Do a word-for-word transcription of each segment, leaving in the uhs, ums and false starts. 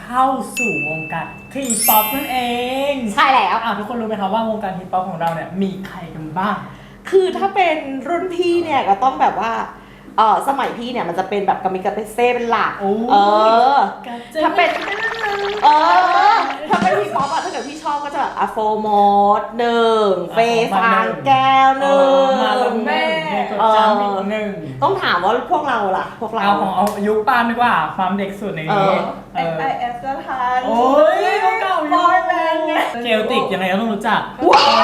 เข้าสู่วงการทีป๊อปนั่นเองใช่แล้วอ่ะทุกคนรู้ไหมครับว่าวงการทีป๊อปของเราเนี่ยมีใครกันบ้างคือถ้าเป็นรุ่นพี่เนี่ยก็ต้องแบบว่าเออสมัยพี่เนี่ยมันจะเป็นแบบกามิกาเปเซ่เป็นหลักเออถ้าเป็นเออถ้าเป็นทีป๊อปอะถ้าเกิดพี่ชอบก็จะอะโฟโมดหนึ่งเฟย์ฟางแก้วหนึ่งมาแล้วแม่กดจำอีกหนึ่งต้องถามว่าพวกเราล่ะพวกเราเอาของเอายุคปานดีกว่าความเด็กสุดในนี้เอส ไอ เอส ก็ทันโอ้ยเก่าๆบอยแบนด์ไงเจลติกยังไงก็ต้องรู้จักว้าว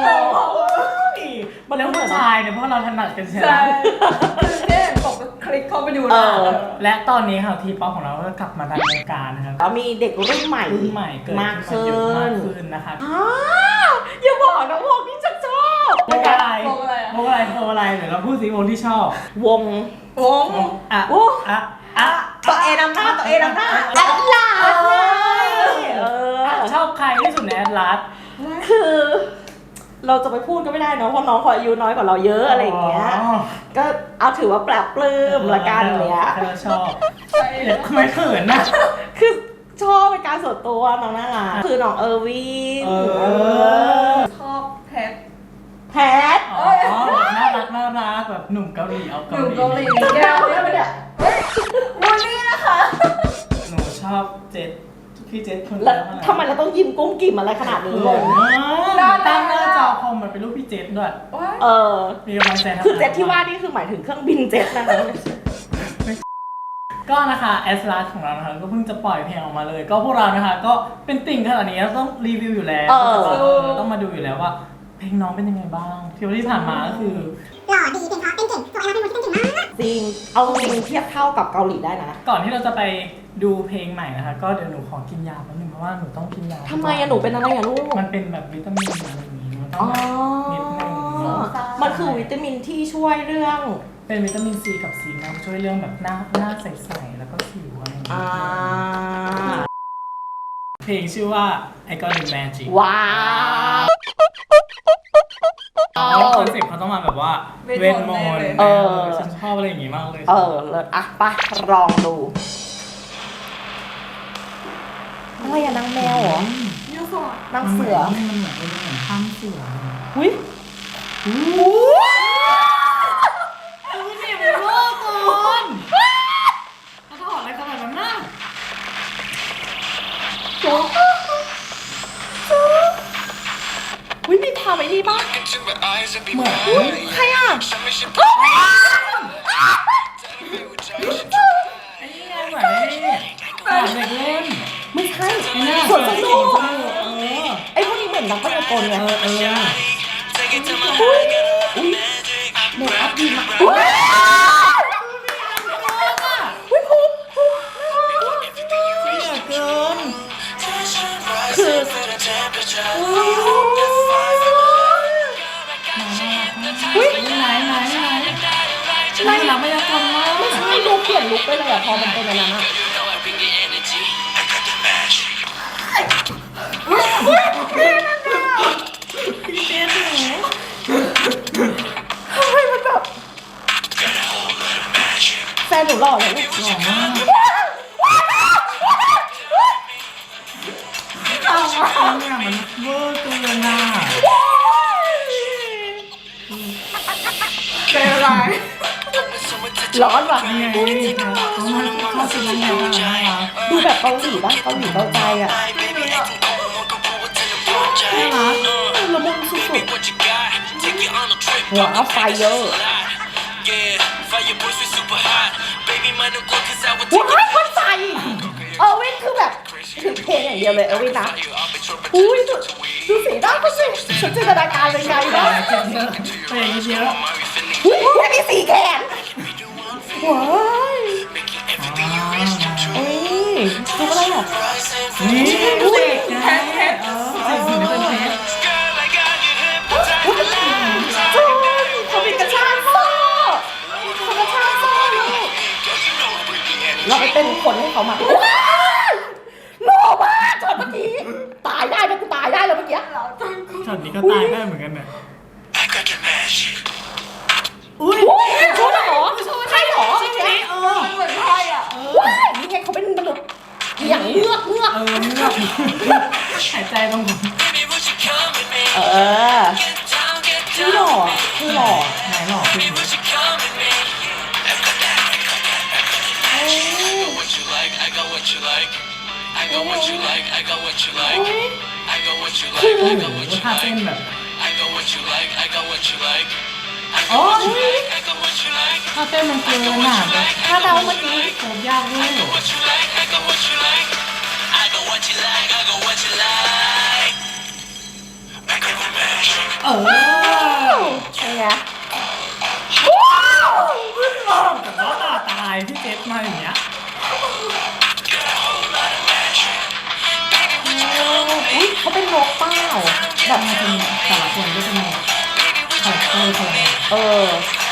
มันแล้วผู้ชายเนี่ยเพราะเราถนัดกันใช่ไหมเนี่ยกดคลิกเข้าไปดูนะและตอนนี้ค่ะทีป๊อปของเราก็กลับมาในวงการนะครับแล้วมีเด็กรุ่นใหม่รุ่นใหม่เกิดมากขึ้นมากขึ้นนะคะอ้าวอย่าบอกนะวงที่ฉันชอบวงอะไรวงอะไรวงอะไรวงอะไรเดี๋ยวเราพูดสิวงที่ชอบวงวงอ่ะอ่ะอ่ะตัวเอนำหน้าตัวเอนำหน้าแอดลาสเออชอบใครที่สุดในแอดลาสคือเราจะไปพูดก็ไม่ได้เนาะเพราะน้องเขาอายุน้อยกว่าเราเยอะอะไรอย่างเงี้ยก็เอาถือว่าแปลกปลื้มละกันเนี้ยชอบทำไมเขินนะคือชอบเป็นการส่วนตัวน้องน่ารักคือน้องเออร์วินชอบแพทแพทอ๋อน่ารักน่ารักแบบหนุ่มเกาหลีเอาเกาหลีหนุ่มเกาหลีแก้วเนี่ยมันเนี่ยวันนี้นะคะหนูชอบเจ็ดพี่เจ็ดคนแล้วทำไมเราต้องยิ้มกุ้มกิ่มอะไรขนาดนี้งงตั้งหน้าจอคอมมันเป็นรูปพี่เจ็ดด้วยเออมีกำลังใจคือเจ็ดที่ว่านี่คือหมายถึงเครื่องบินเจ็ตนะคะก็นะคะแอสลาสของเรานะคะก็เพิ่งจะปล่อยเพลงออกมาเลยก็พวกเรานะคะก็เป็นติ่งขนาดนี้ต้องรีวิวอยู่แล้วต้องมาดูอยู่แล้วว่าเพลงน้องเป็นยังไงบ้างที่ที่ผ่านมาก็คือหล่อดีเพลงเพราะเต้นเก่งตัวเอลเป็นคนที่เต้นเก่งมากจริงเอาจริงเทียบเท่ากับเกาหลีได้นะก่อนที่เราจะไปดูเพลงใหม่นะคะก็เดี๋ยวหนูขอกินยาแป๊บนึงเพราะว่าหนูต้องกินยาทำไมอะหนูเป็นอะไรอะลูกมันเป็นแบบวิตามินอะไรอย่างงี้มันต้องนิดนึงมันคือวิตามินที่ช่วยเรื่องเป็นวิตามินซีกับซีนะช่วยเรื่องแบบหน้าหน้าใสๆแล้วก็สิวอะไรอย่างเงี้ยเพลงชื่อว่า I Got the Magic ว้าวคอนเซ็ปต์เขาต้องมาแบบว่าเวทมนต์เออฉันชอบอะไรอย่างงี้มากเลยเออเลิศอ่ะไปลองดูอะไรอะนางแมวเหรอนางเสือมันเหมือนเป็นเหมือนข้ามเสือหุ้ยอู้หูนี่เป็นโลกคนเขาถอดอะไรขนาดนั้นน่ะจุ๊บวิมีความไอ้นี่บ้างเหมือนใครอ่ะไอ้นี่ไงเหมือนไอ้นี่เหมือนเด็กเล่นไม่ใช่ส่วนสนุกไอ้พวกนี้เหมือนนักพากลไงเออเอออุ้ยอุ้ยเมคอัพดีมากอุ้ยอุ้ยภูมิภูมิเกินคืออุ้ยไหนไหนไหนไหนหลังไม่ยังทำมากไม่ใช่ดูเปลี่ยนลุคไปเลยอะพอมันเป็นอย่างนั้นอะทำไมมันแบบแฟนหนูหล่อเลยลูกหล่อมากเอาเนี่ยมันเวอร์เกินน่ะเป็นอะไรร้อนว่ะนี่ไงนี่ครับเขามาเข้าสู่วงการแล้วดูแบบเกาหลีบ้างเกาหลีเกาใจอ่ะน่ารักละมุนสุดๆหัวไฟเยอะว้ายคนใส่เออวินคือแบบถึงเพลงอย่างเดียวเลยเออวินนะอุ้ยดูสีหน้าเขาสิฉันจินตนาการเลยไงนะเพลงเยอะอุ้ยมีสีแขนว้ายเอ้ยดูอะไรอ่ะนี่เพชรเพชรเออสิ่งนี้เป็นเพชรจูนเขามีกระชากโซ่เขากระชากโซ่ลูกเราไปเป็นคนให้เขามาหล่อมากช็อตเมื่อกี้ตายได้ไหมกูตายได้แล้วเมื่อกี้ช็อตนี้ก็ตายได้เหมือนกันเนี่ยอุ้ยชุดเหรอใช่เหรอใช่ไหมเออเหมือนไพ่อ่ะว้ายนี่ไงเขาเป็นมนุษย์อย่างเงือกเงต้องเออพี่หล่อคือหล่อไหนหลอกขึ้นคือโอ้โหท่าเต้นแบบโอ้ยท่าเต้นมันเกินอ่ะแบบถ้าเราเมื่อกี้โคตรยากเลย เออเป็นไงแต่ว่าตาตายพี่เจฟมาอย่างเงี้ยอุ้ยเขาเป็นนกเป้าแบบมันจะมีแต่ละคนก็จะมีคาแรคเตอร์คนเออ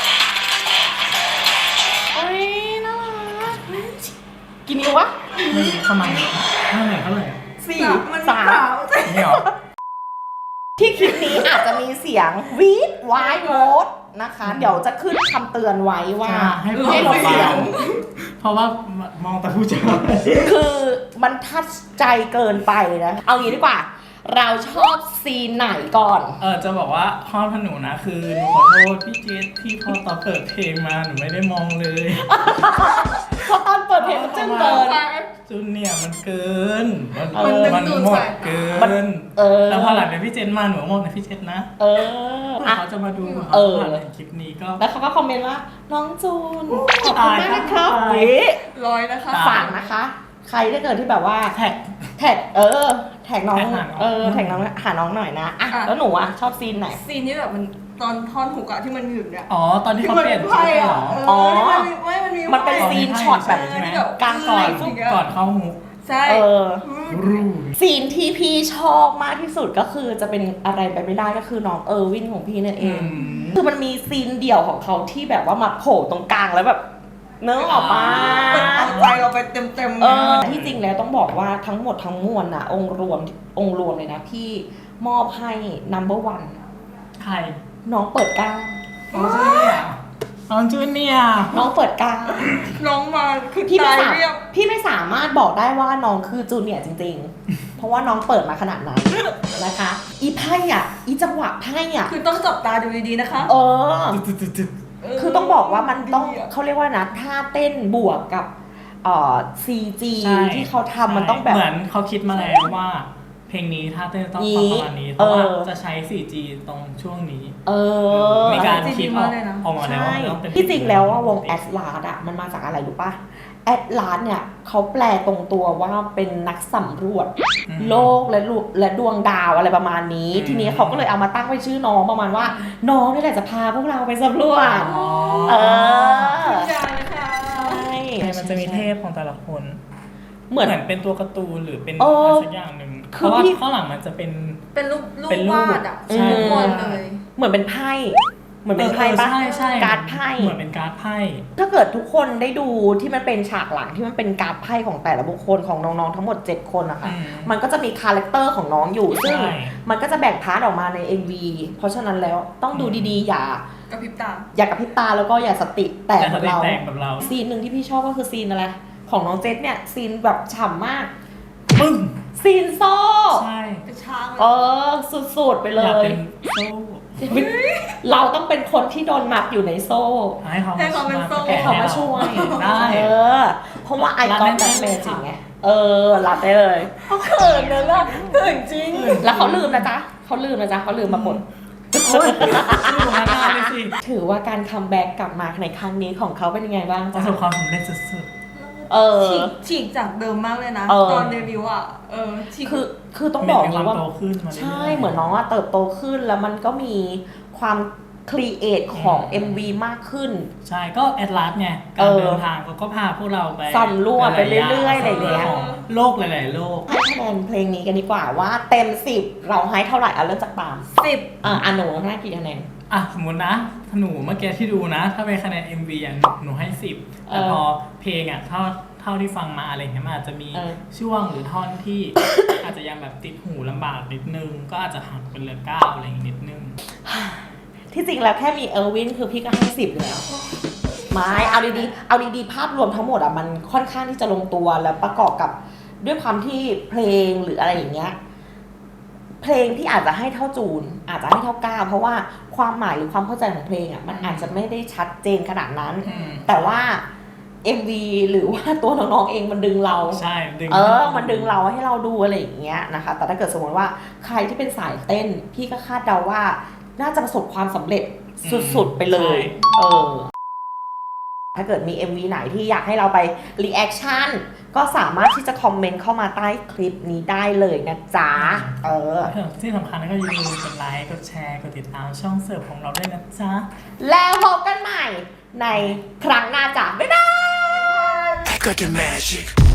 โอ้ยน่ารักกินนิ้ววะไม่รู้ทำไมเท่าไหร่เท่าไหร่สี่มันสามเปล่านี่หรอที่คลิปนี้อาจจะมีเสียงวีดวายโมดนะคะ เดี๋ยวจะขึ้นคำเตือนไว้ว่าให้ให้ลดเสียงเพราะว่ามองแต่ผู้ชายคือมันทัดใจเกินไปนะ เอางี้ดีกว่า เราชอบซีนไหนก่อนเออจะบอกว่าข้อพหนูนะคือหนูขอโทษพี่เจสที่พอตอนเปิดเพลงมาหนูไม่ได้มองเลยเพราะตอนเปิดเพลงมันจึ้งเกินจุนเนี่ยมันเกิน มันเออมันหมดเกิมันนเออแล้วพอหลังจากพี่เจนมาหนูก็มองในพี่เจนนะเออเพื่ออ่ะเขาจะมาดูเออผ่านคลิปนี้ก็แล้วเขาก็คอมเมนต์ว่า น้องจูน ขอบคุณมากนะครับตายวิร้อยนะคะฝากนะคะ ใครถ้าเกิดที่แบบว่าแท็กแท็กเออ แท็กน้องแท็กหาน้องเออ แท็กน้องหาน้องหน่อยนะ อ่ะอ่ะแล้วหนูอ่ะ ชอบซีนไหนซีนที่แบบมันตอนท่อนหุกอะที่มันอยู่เนี่ยอ๋อตอนที่เขาเปลี่ยนที่ชุมัดนเหรอเออ๋ออมันมีไม่มันมีมันเป็นไพ่ซีนช็อตแบบใช่ไหมกลางก่อนไฟก่อนเข้าฮุกใช่เออรูซีนที่พี่ชอบมากที่สุดก็คือจะเป็นอะไรไปไม่ได้ก็คือน้องเออร์วินของพี่นั่นเอง คือมันมีซีนเดี่ยวของเขาที่แบบว่ามาโผล่ตรงกลางแล้วแบบเนื้อออกมาเอาใจเราไปเต็มเต็มๆเออที่จริงแล้วต้องบอกว่าทั้งหมดทั้งมวลนะองค์รวมองค์รวมเลยนะพี่มอบให้ number one ใครน้องเปิดกล้างน้องจูเนียร์น้องจูเนียร์น้องเปิดกล้างน้องมาคือพี่ไม่ตายสามเรียบพี่ไม่สามารถบอกได้ว่าน้องคือจูเนียร์จริงๆ เพราะว่าน้องเปิดมาขนาดนั้นนะคะ อีไพ่อ่ะ อีจังหวะไพ่อ่ะคือต้องจับตาดูดีๆนะคะเออตึ๊ดตึ๊ดตึ๊ดเคือต้องบอกว่ามันต้องดีะเขาเรียกว่านะท่าเต้นบวกกับเอ่อ ซี จีใช่ที่เขาทำมันต้องแบบเหมือนเขาคิดมาแล้วว่า เพลงนี้ถ้าเต้นต้องประมาณนี้เพราะว่าเออจะใช้ โฟร์จี ตรงช่วงนี้เออมีการจริงๆคิดออกเลยนะออกมาแล้วใช่ว่าต้องเป็นที่จริงแล้วว่าวงแอดลาสอะมันมาจากอะไรรู้ป่ะแอดลาสเนี่ยเขาแปลตรงตัวว่าเป็นนักสำรวจอืมโลกและลูและดวงดาวอะไรประมาณนี้อืมทีนี้เขาก็เลยเอามาตั้งไว้ชื่อน้องประมาณว่า น้องนี่แหละจะพาพวกเราไปสำรวจอ๋อเออทุกอย่างเลยค่ะใช่ใช่มันจะมีเทพของแต่ละคนเหมือนเหมือนเป็นตัวการ์ตูนหรือเป็นเออะไรอสักอย่างหนึ่งคืเพอราะว่าพี่ข้างหลังมันจะเป็นเป็นรูปรูปเป็นรูปวาดอะใช่ทุกคนเลยเหมือนเป็นไพ่เหมือนเป็นไพ่ปะใช่ใช่การ์ดไพ่เหมือนเป็นการ์ดไพ่ถ้าเกิดทุกคนได้ดูที่มันเป็นฉากหลังที่มันเป็นการ์ดไพ่ของแต่ละบุคคลของน้องๆทั้งหมดเจ็ดคนนะคะอืมมันก็จะมีคาแรคเตอร์ของน้องอยู่ซึ่งใช่มันก็จะแบ่งพาร์ทออกมาใน เอ็ม วี เพราะฉะนั้นแล้วต้องดูดีๆ อย่ากระพริบตาอย่ากระพริบตาแล้วก็อย่าสติแตกแต่แบถ้าบได้เราแต่งแบบเราซีนหนึ่งที่พี่ชอบก็คือซีนอะไร ของน้องเจษเนี่ยซีนแบบฉ่ำมากปึ้งซีนโซ่ใช่เป็นช้างเลยเออสุดๆไปเลอยากยเป็นโซ่เราต้องเป็นคนที่โดนมัดอยู่ในโซ่ให้เขาให้เขาเป็นโซ่ให้เขามาช่วยได้เออ เพราะว่าไอรับคอนได้แบบไหมเมจิกไง เออ รับได้เลยเขาเขินเลยล่ะเขินจริง แล้วเขาลืมนะจ๊ะเขาลืมนะจ๊ะเขาลืมมาหมดโอ้ยชื่อของมันได้เลยสิถือว่าการคัมแบ็กกลับมาในครั้งนี้ของเขาเป็นยังไงบ้างประจ๊ะสบความสำเร็จสุดเออฉีกฉีกจากเดิมมากเลยนะเออตอนเดบิวต์อ่ะ เออฉีกคือ คือๆต้องบอกมีเลยควาว่ามโตขึ้นมารื่ยๆใช่ เหมือนน้องอะเติบโตขึ้น แล้วมันก็มีความครีเอทของอืมเอ็ม วี มากขึ้นใช่ก็แอดลาสไงเอการอเดินทางเขาก็พาพวกเราไปสำรวจไปเรื่อยๆอะไรอย่างเงี้ยของโลกหลายๆโลกให้คะแนนเพลงนี้กันดีกว่าว่าเต็มสิบเราให้เท่าไหร่เอาเริ่มจากตามสิบอ่ะอ่ะหนูให้กี่คะแนนอ่ะสมมตินะหนูเมื่อกี้ที่ดูนะ ถ้าเป็นคะแนน เอ็ม วี อ่ะหนูให้สิบแต่เออพอเพลงอ่ะเท่าเท่าที่ฟังมาอะไรเงี้ยมันอาจจะมีเออช่วงหรือท่อนที่ อาจจะยังแบบติดหูลำบากนิดนึง ก็อาจจะหักเป็นเหลือเก้าอะไรอย่างงี้นิดนึงที่จริงแล้วแค่มีเออร์วินคือพี่ก็ให้สิบแล้วไม่เอาดีๆเอาดีๆภาพรวมทั้งหมดอ่ะมันค่อนข้างที่จะลงตัวแล้วประกอบกับด้วยความที่เพลงหรืออะไรอย่างเงี้ยเพลงที่อาจจะให้เท่าจูน อาจจะให้เท่าก้าวเพราะว่าความหมายหรือความเข้าใจของเพลงอ่ะมันอาจจะไม่ได้ชัดเจนขนาดนั้นอืมแต่ว่า เอ็ม วี หรือว่าตัวน้องๆเองมันดึงเราใช่ดึงเออ มันดึงเราให้เราดูอะไรอย่างเงี้ยนะคะ แต่ถ้าเกิดสมมติว่าใครที่เป็นสายเต้น พี่ก็คาดเดาว่าน่าจะประสบความสำเร็จสุดๆไปเลย เออ ถ้าเกิดมี เอ็ม วี ไหนที่อยากให้เราไปรีแอคชั่นก็สามารถที่จะคอมเมนต์เข้ามาใต้คลิปนี้ได้เลยนะจ๊ะ เออที่สำคัญก็อย่าลืมกดไลค์กดแชร์กดติดตามช่องเสิร์ฟของเราด้วยนะจ๊ะแล้วพบกันใหม่ในครั้งหน้าจ้ะบ๊ายบาย Got the magic.